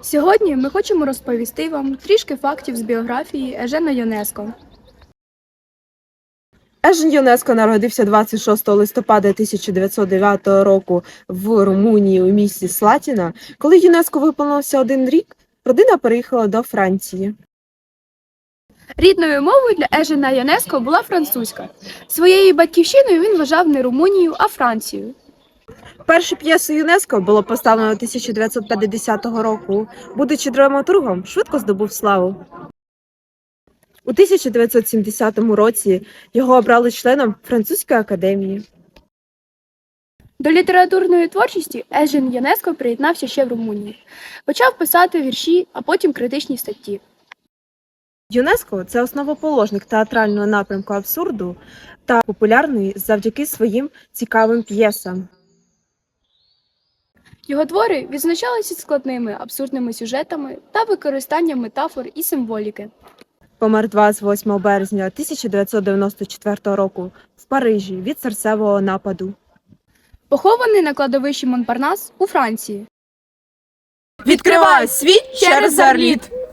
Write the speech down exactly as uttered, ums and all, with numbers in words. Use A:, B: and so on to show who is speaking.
A: Сьогодні ми хочемо розповісти вам трішки фактів з біографії Ежена Йонеско.
B: Ежен Йонеско народився двадцять шостого листопада тисяча дев'ятсот дев'ятого року в Румунії у місті Слатіна. Коли Йонеско виповнився один рік, родина переїхала до Франції.
A: Рідною мовою для Ежена Йонеско була французька. Своєю батьківщиною він вважав не Румунію, а Францію.
B: Першу п'єсу Йонеско було поставлено тисяча дев'ятсот п'ятдесятого року. Будучи драматургом, швидко здобув славу. У тисяча дев'ятсот сімдесятому році його обрали членом Французької академії.
A: До літературної творчості Ежен Йонеско приєднався ще в Румунії. Почав писати вірші, а потім критичні статті.
B: Йонеско – це основоположник театрального напрямку абсурду та популярний завдяки своїм цікавим п'єсам.
A: Його твори відзначалися складними абсурдними сюжетами та використанням метафор і символіки.
B: Помер двадцять восьмого березня тисяча дев'ятсот дев'яносто четвертого року в Парижі від серцевого нападу.
A: Похований на кладовищі Монпарнас у Франції.
B: Відкривай світ через Орліт!